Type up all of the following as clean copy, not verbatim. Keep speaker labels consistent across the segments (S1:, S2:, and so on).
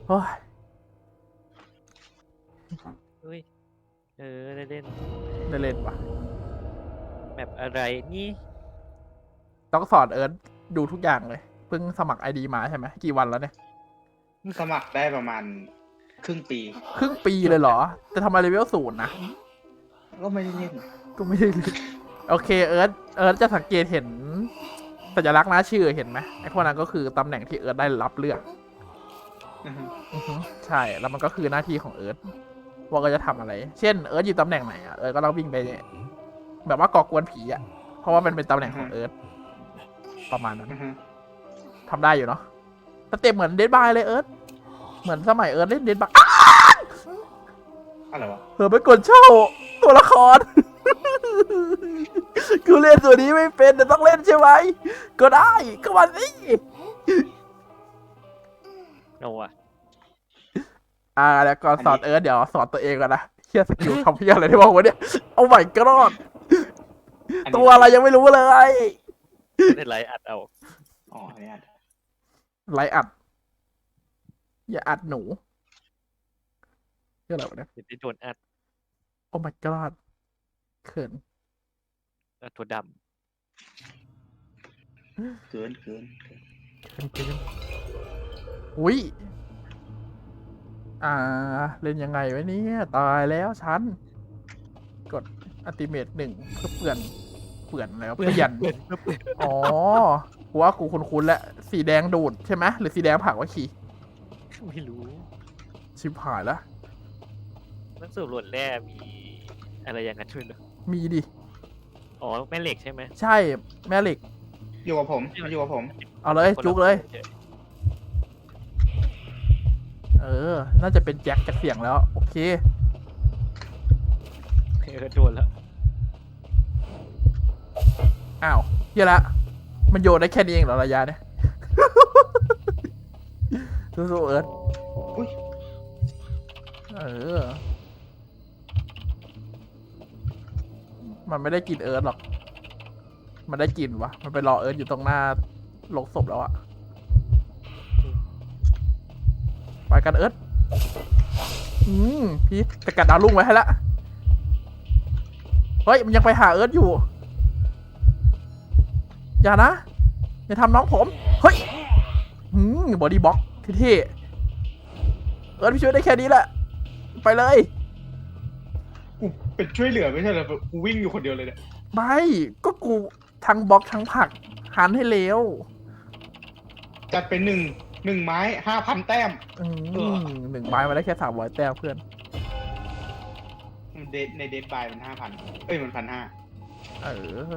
S1: โอ้ย
S2: อุ้ยได้เล่น
S1: ได้เล่นปะ
S2: แบบอะไรนี่
S1: ต้องสอนเอิร์ธดูทุกอย่างเลยเพิ่งสมัครไอดีมาใช่ไหมกี่วันแล้วเนี่ย
S3: สมัครได้ประมาณครึ่งปี
S1: ครึ่งปีเลยเหรอแต่ทำไมเลเวล0นะ
S3: ก็ไม่ได้เล่น
S1: ก็ไม่ได้เลยโอเคเอิร์ธจะสังเกตเห็นสัญลักษณ์หน้าชื่อเห็นไหมไอ้พวกนั้นก็คือตำแหน่งที่เอิร์ธได้รับเลือก
S3: อือฮึ
S1: อือฮึใช่แล้วมันก็คือหน้าที่ของเอิร์ธว่าก็จะทำอะไร เช่นเอิร์ธอยู่ตำแหน่งไหนอ่ะเอิร์ธก็ต้องวิ่งไปแบบว่าก่อกวนผีอ่ะเพราะว่ามันเป็นตำแหน่งของเอิร์ธประมาณนั้น
S3: อือฮึ
S1: ทำได้อยู่เนาะสเต็ปเหมือนเดดบายเลยเอิร์ธเหมือนสมัยเอิร์ธเล่นเดดบาย
S3: อะไรวะ
S1: เผลอไปกดเช่าตัวละคร กูเล่นตัวนี้ไม่เป็นแต่ต้องเล่นใช่ไหมก็ได้ก็มาสิ
S2: โนอ่ะ
S1: แล้วก่อนสอนเอิร์ธเดี๋ยวสอนตัวเองก่อนนะเฮียสกิลทำเฮียอะไรที่บอกวะเนี่ยเอาใหม่ก็รอดตัวอะไรยังไม่รู้เลย
S2: ไม่ได้ไลฟ์อัดเอา
S3: อ๋อเนี่ย
S1: ไลฟ์อัดอย่าอัดหนูเรื่องอะไรวะเนี่ย
S2: เดี๋ยวได้โดนอัด
S1: โอ้ my god เขิน
S2: ตัวด
S3: เกิน
S1: เขินอุ้ยเล่นยังไงวะเนี่ยตายแล้วฉันกดอัลติเมท1เพื่อเปลี่ยนแล้ว
S2: ำ
S1: เปลี่ยน
S2: เปลี่ยน
S1: อ๋อกูว่ากูคุ้นๆแล้วสีแดงดูดใช่ไหมหรือสีแดงผักวะขี่
S2: ไม่รู้
S1: ชิบหายแล้ว
S2: นักสืบหลวดแร่มีอะไรอย่างนั้นด้วยเหรอ
S1: มีดิ
S2: อ๋อแม่เหล็กใช่ไหม
S1: ใช่แม่เหล็ก
S3: อยู่กับผมอยู่กับผม
S1: เอาเลยจุกเลย น่าจะเป็นแจ็คจากเสียงแล้ว โอเค
S2: โดนแล้ว
S1: อ้าวเฮียละ มันโยนได้แค่นี้เองเหรอระยะเนี่ย สู้ๆเอิร์ธ
S3: อุ้ย
S1: มันไม่ได้กินเอิร์ธหรอก มันได้กินวะ มันไปรอเอิร์ธอยู่ตรงหน้าโลงศพแล้วอะไปกันเอิร์ธพี่แต่กัดดาวรุ่งไว้ให้ละ เฮ้ย มันยังไปหาเอิร์ธอยู่ อย่านะ อย่าทำน้องผม เฮ้ยบอดี้บล็อกเท่ๆเอิร์ธพี่ช่วยได้แค่นี้แหละ ไปเลย
S3: กูเป็นช่วยเหลือไม่ใช่เหรอกูวิ่งอยู่คนเดียวเลยเนี่ย
S1: ไม่ก็กูทั้งบล็อกทั้งผลักหันให้เร็ว
S3: จัดเป็นหนึ่งไม้5,000 แต้ม
S1: หนึ่งไม้มาได้แค่300 แต้มเพื่อน
S3: ในเดทบายมัน5,000มัน1,500
S1: เออ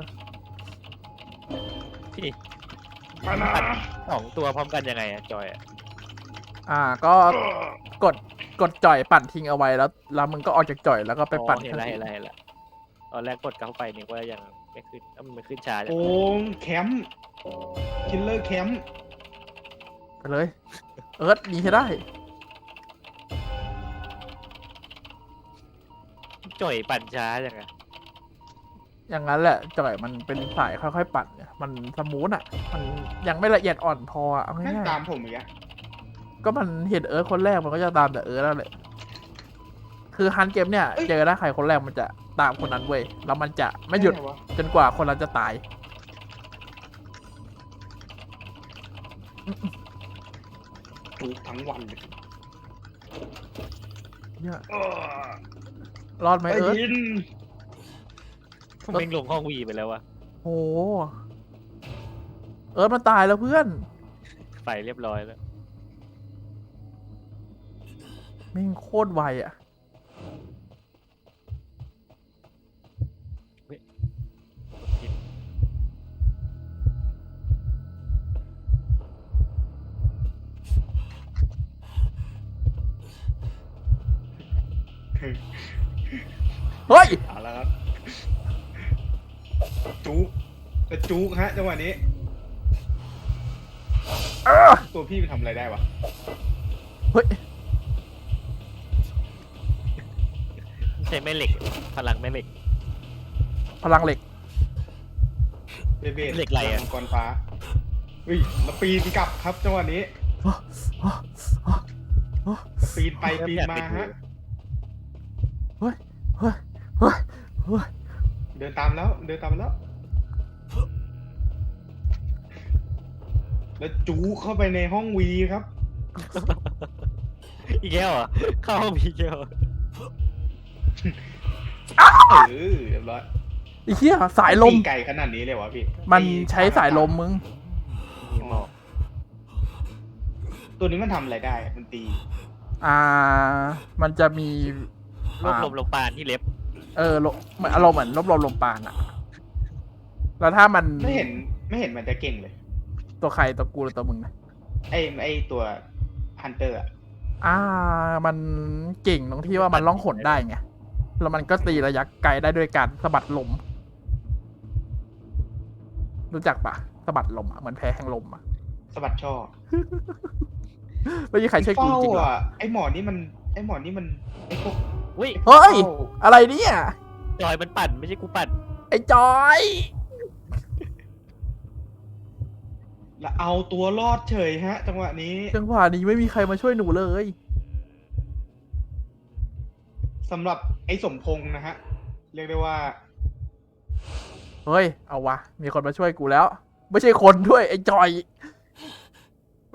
S2: พี่ปัด2 ตัวพร้อมกันยังไงอะจอยอะ
S1: ก็กดจ่อยปั่นทิ้งเอาไว้แล้วมึงก็ออกจากจ่อยแล้วก็ไปปั่น
S2: เห็นละตอนแรกกดเข้าไปนึกว่ายังไม่ขึ้นมันขึ้นช้าจัง
S3: โอ้แคมป์คิลเลอร์แคมป์
S1: ไปเลย เอิร์ธหนีให้ได้
S2: จ่อยปั่นช้าจังอะ
S1: อย่างนั้นแหละจ่อยมันเป็นสายค่อยๆปั่นเนี่ยมันสมูทอ่ะ มันยังไม่ละเอียดอ่อนพอเอา
S3: แม่ง
S1: ง่าย
S3: ตามผมอีกอะ
S1: ๆก็มันเห็นเอิร์ธคนแรกมันก็จะตามแต่เอิร์ธแล้วแหละคือฮันเกมเนี่ยเจอหน้าใครคนแรกมันจะตามคนนั้นเว้ยแล้วมันจะไม่หยุด
S3: ด้วะ
S1: จนกว่าคนนั้นจะตาย
S3: ถูกทั้งวันเลย
S1: เนี่ย
S3: เออ
S1: รอดไหม
S3: ไป
S1: เอิร์ธ
S3: ยิน
S2: ผมเองลงห้องวีไปแล้วอะ
S1: โหเอิร์ธมันตายแล้วเพื่อน
S2: ไปเรียบร้อยแล้ว
S1: แม่งโคตรไวอ่ะ เฮ้ย
S3: เอาละครับจุกจะจุกฮะจังหวะนี้ ตัวพี่ไปทำอะไรได้วะ
S1: เฮ้ย
S2: ใช้แม่เหล็กพลังแม่เหล็ก
S1: พลังเหล็ก
S3: เบเบ
S2: เหล็กไหลอะ
S3: มังกรฟ้าอุ้ยแล้วปีนกลับครับจังหวะนี้ปีนไปปีนมาฮะ
S1: เฮ้ยเฮ้ยเฮ้ยเฮ้ย
S3: เดินตามแล้วแล้วจูเข้าไปในห้องวีครับ
S2: อีกแล้วเหรอเข้าห้องพีเกล
S3: เรียบร้อย
S1: ไอ้เหี้ยสายลม
S3: ปีไก่ขนาดนี้เลยวะพี่
S1: มันใช้สายลมมึง
S2: มีหมอก
S3: ตัวนี้มันทำอะไรได้ มันตี
S1: มันจะมี
S2: รวบรวมลมปานที่เล็บ
S1: เหมือนอารมณ์เหมือนรวบรวมลมปานอะแล้วถ้ามัน
S3: ไม่เห็นมันจะเก่งเลย
S1: ตัวใครตัวกูหรือตัวมึงนะ
S3: ไอตัวฮันเตอร์อะ
S1: มันเก่งตรงที่ว่ามันล่องหนได้ไง แล้วมันก็ตีระยะไกลได้ด้วยการสะบัดลม รู้จักปะสะบัดลมอะเหมือนแพ้แห่งลมอะ
S3: สะบัดช่อ
S1: ไม่มีใครช่วยกูจริงหรอ
S3: ไอหมอนี่มันไอพวก
S2: อุ้ย
S1: เฮ้ย อะไรเนี่ย
S2: จอยมันปั่นไม่ใช่กูปั่น
S1: ไอ้จอย
S3: แล้วเอาตัวรอดเฉยฮะ จังหวะนี้
S1: จังหวะนี้ไม่มีใครมาช่วยหนูเลย
S3: สำหรับไอสมพงษ์นะฮะ เรียกได้ว่า
S1: เฮ้ย เอาวะ มีคนมาช่วยกูแล้ว ไม่ใช่คนด้วย ไอ้จอยไป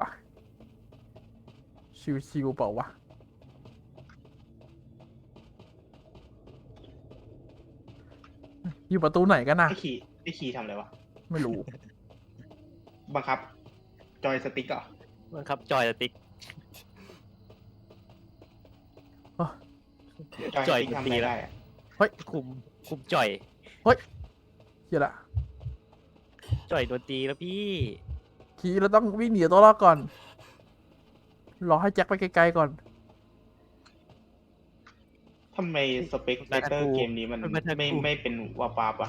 S1: ชิวๆเปล่าวะ อยู่ประตูไหนกันนะ
S3: ไอขี่ทำอะไรวะ
S1: ไม่รู้
S3: บังคับ จอยสติ๊กเหรอ
S2: มันครับจอยสติ๊ก
S3: จอยสติ๊กทำอะไรได้อะ
S2: คุมจอย
S1: เฮียละ
S2: จอยโดนตีแล้วพี่
S1: ทีเราต้องวิ่งหนีตัวรอดก่อน รอให้แจ็คไปไกลๆก่อน
S3: ทำไมสเปกเตอร์เกมนี้มันไม่เป็นวาปาปะ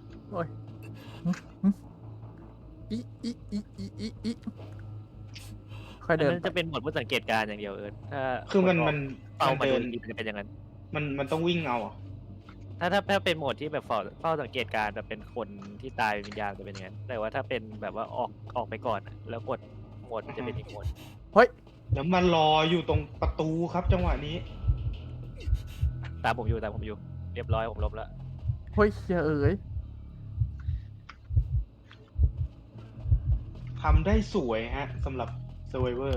S1: อีค่อย
S2: อัน
S1: เดิน
S2: นั้นจะเป็นโหมดผู้สังเกตการณ์อย่างเดียวถ้า
S3: คือมัน
S2: เป้ามา
S3: เดิ
S2: โด
S3: น
S2: นยิงมันจะเป็นอย่างนั้น
S3: มันต้องวิ่งเอาอะ
S2: ถ้าเป็นโหมดที่แบบเฝ้าสังเกตการณ์แบบเป็นคนที่ตายเป็นวิญญาณจะเป็นอย่างนั้นแต่ว่าถ้าเป็นแบบว่าออกไปก่อนอะแล้วกดโหมดมันจะเป็นอีกโหมด
S3: แล้วมันรออยู่ตรงประตูครับจังหวะนี้
S2: ตามผมอยู่เรียบร้อยผมลบแล้ว
S1: เฮ้ยเฮียเอ๋ย
S3: ทำได้สวยฮะสำหรับ Survivor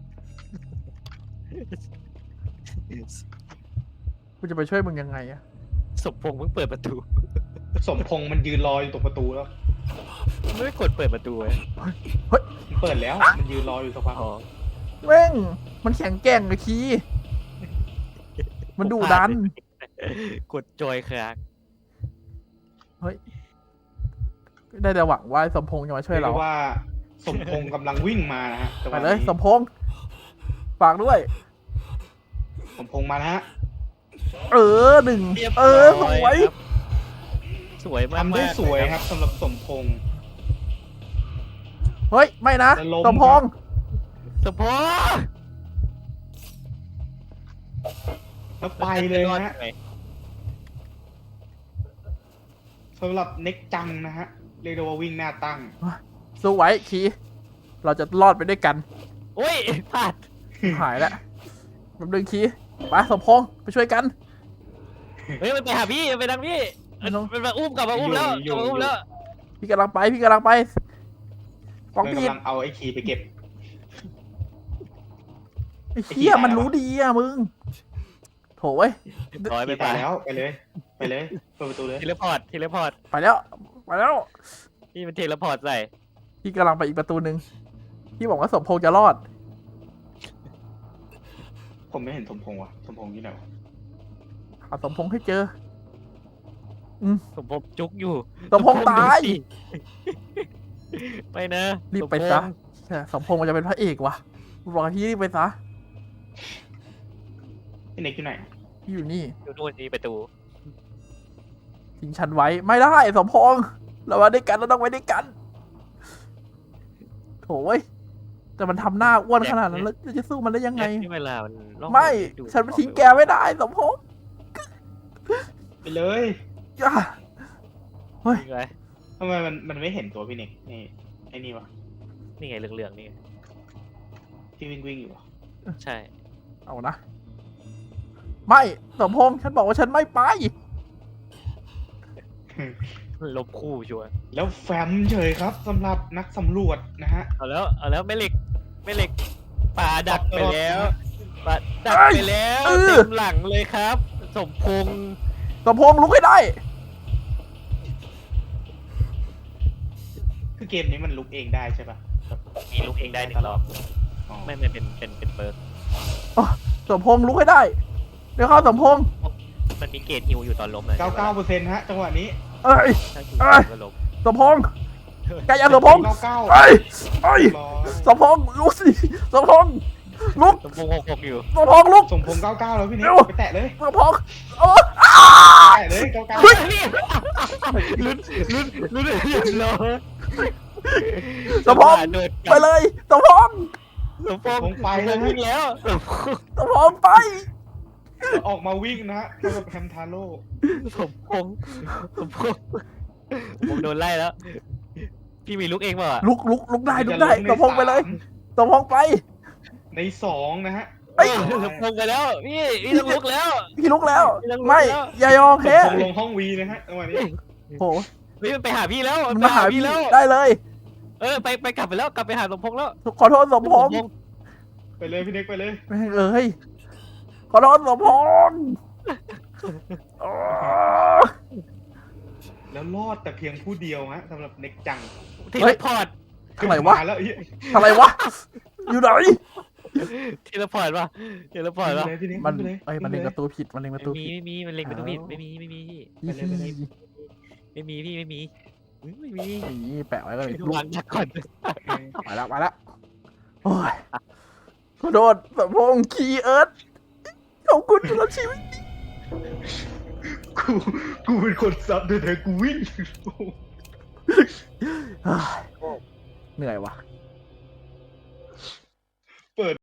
S1: กูจะไปช่วยมึงยังไงอะ
S2: สมพงษ์เพิ่งเปิดประตู
S3: สมพงษ์มันยืนรออยู่ตรงประตูแล้ว
S2: ไม่ได้กดเปิดประตูเลย
S3: มันเปิดแล้ว มันยืนรออยู่สักพัก
S2: อ๋อ
S1: แม่งมันแข็งแกร่งเลยคีมันดุดัน
S2: กดจอยค้าง
S1: ได้แต่หวังว่าสมพงษ์จะมาช่วยเรา
S3: เรียกว่าสมพงษ์กำลังวิ่งมานะฮะจังห
S1: ไป
S3: วะ
S1: เลย
S3: นี้
S1: สมพงษ์ฝากด้วย
S3: สมพงษ์มานะฮะ
S1: หนึ่ง
S2: เรียบ
S1: ส
S2: ร้อ
S1: วย
S2: ครับสวยมาก
S3: ทำได้สวยครับสำหรับสมพงษ์
S1: เฮ้ย ไม่นะ
S3: จะล้ม
S1: สมพงษ์
S2: สมพงษ์
S3: แล้วไปเลยฮะ
S2: ไง
S3: สำหรับเน็กจังนะฮะเรียกได้ว่าวิ่งหน้าตั้ง
S1: สู้ไว้คีเราจะรอดไปด้วยกัน
S2: โอ้ยพลาด
S1: หายแล้วแป๊บนึงคีไปสมพงษ์ไปช่วยกัน
S2: เฮ้ยมันไปหาพี่มันไปทางพี่
S1: ไม่ต้อง
S2: มันมาอุ้มกลับมาอุ้มแล้ว
S3: อยู่
S2: กลับมาอุ้มแล้ว
S1: พี่กำลังไปฟ้อง
S3: มัน
S1: พี่
S3: กำลังเอาไอ้คีย์ไปเก็บ
S1: ไอ้เหี้ยมันรู้ดีอะมึงโถเว้ย
S2: ร้อยไป
S3: คีย์
S2: ไป
S3: ตายแล้วไปเลยเปิดประตูเลย
S2: เทเลพอร์ต
S1: ไปแล้ว
S2: พี่มันเทเลพอร์ตใส่
S1: พี่กำลังไปอีกประตูหนึ่งพี่บอกว่าสมพงษ์จะรอด
S3: ผมไม่เห็นสมพงษ์ว่ะสมพงษ์ที่ไหนวะ
S1: หาสมพงษ์ให้เจอ
S2: สมพงษ์จุกอยู่
S1: สมพงษ์ตาย
S2: ไปนะ
S1: รีบไปซะสมพงษ์มันจะเป็นพระเอกว่ะบอกให้พี่รีบไปซะ
S3: พี่เน็กอยู่ไหน
S1: พี่อยู่นี่
S2: อยู่นู่นนี่ประตู
S1: ทิ้งฉันไว้ไม่ได้สมพงษ์เรามาด้วยกันเราต้องไปด้วยกันโถเว้ยแต่มันทำหน้าอ้วนขนาดนั้นแล้วจะสู้มันได้ยังไง
S2: ที่เวลามันล่อง
S1: ไม่
S2: ดู
S1: ฉันไม่ทิ้งแกไม่ได้สมพงษ์
S3: ไปเลย
S1: อย่า
S2: นี่ไง
S3: ทำไมมันไม่เห็นตัวพี่เน็กนี่ไอ้นี่วะ
S2: นี่ไงเหลืองๆนี่ไง
S3: ที่วิ่งอยู่วะ
S2: ใช่
S1: เอานะ ไม่สมพงษ์ฉันบอกว่าฉันไม่ไป
S2: ลบคู่ชัวร์
S3: แล้วแฟมเฉยครับสำหรับนักสำรวจนะฮะ
S2: เอาแล้วแม่เหล็กป่าดักไปแล้วป่าดัก
S1: เอ้ย
S2: ไปแล้ว
S1: เออ
S2: เต็มหลังเลยครับ สมพงษ์
S1: สมพงษ์ลุกให้ได้
S3: คือเกมนี้มันลุกเองได้ใช่ปะ
S2: มีลูกเองได้1 รอบ
S3: อ๋อ
S2: ไม่เป็นเบิร์ก
S1: สมพงษ์ลุกให้ได้ เดี๋ยวเข้าสมพงษ์
S2: มันมีเกรดฮิวอยู่ตอนล้มเลย
S3: 99%ฮะจังหวะนี้
S1: เอ้ย
S2: ถ้าฮิว
S1: เอ้ย
S2: ก็ล้ม
S1: สมพงษ์แกอย่าสมพงษ์
S3: 99
S1: เอ้ยเอ้ย
S3: ร้อย
S1: สมพงษ์ลุกสิสมพงษ์ลุก
S2: สมพงษ์6อยู่
S1: สมพงษ์ลุก
S3: สมพงษ์99แล้วพี่นิก
S1: เร็ว
S3: ไปแตะเลย
S1: สมพงษ์
S3: แตะเลย99
S1: เฮ้ย
S2: ลุ้นเรียบร้อย
S1: สมพงษ์
S2: โดด
S1: ไปเลยสมพงษ์
S2: สมพงษ์
S3: ผมไปแล้ว
S2: วิ่งแล้ว
S1: สมพงษ์ไป
S3: ออกมาวิ่งนะฮะเท่ากับแฮมทาโร่
S2: สมพงษ์ผมโดนไล่แล้ว พี่มีลูกเองเปล่าอะ
S1: ลุกได้สมพงษ์ไปเลยสมพงษ์ไป
S3: ใน2นะฮะ
S1: เอ้ย
S2: สมพงษ์ไปแล้วพี่ต้องลุกแล้ว
S1: พี่ลุกแล้ว
S2: พี่ลุกแล้ว
S1: ไม่อย่ายอม
S3: สม
S1: แพ้
S3: พงษ์ลงห้องวีนะฮะจังหวะนี้
S1: โห
S2: พี่มันไปหาพี่แล้ว
S1: มันมาหาพี่
S2: แล้ว
S1: ได้เลย
S2: ไปกลับไปแล้วกลับไปหาสมพงษ์แล้ว
S1: ขอโทษสมพงษ์
S3: ไปเลยพี่นิกไปเลย
S1: แม่งเอ้ยขอโทษสมพงษ์อ๋อ
S3: แล้วรอดแต่เพียงผู้เดียวฮะสำหรับเน็กจัง
S2: เทเลพอร์ต
S1: อะไรวะ
S3: มาแล้วเฮ้ย
S1: อะไรวะ อยู่ไหน
S2: เทเลพอร์ตป่ะเทเลพอร์ตป่ะ
S3: ไปเลยพี่นิก
S1: มัน
S3: ไปเลย
S1: เอ้ยมันเล็ง
S3: ไป
S1: ประตูผิดมันเล็งประตูผิด
S2: ไม่มีมันเล็งประตูผิดไม่มีพี่ ไม่มีพี่ไม่มี
S1: นี่แปะไว้ก็เลย
S2: วางดักก่อน
S1: มาแล้วโอ้ยขอโทษสมพงษ์คีเอิร์ธขอบคุณสำหรับชีวิต
S3: กูเป็นคนซับแต่กูวิ่ง
S1: เหนื่อยวะ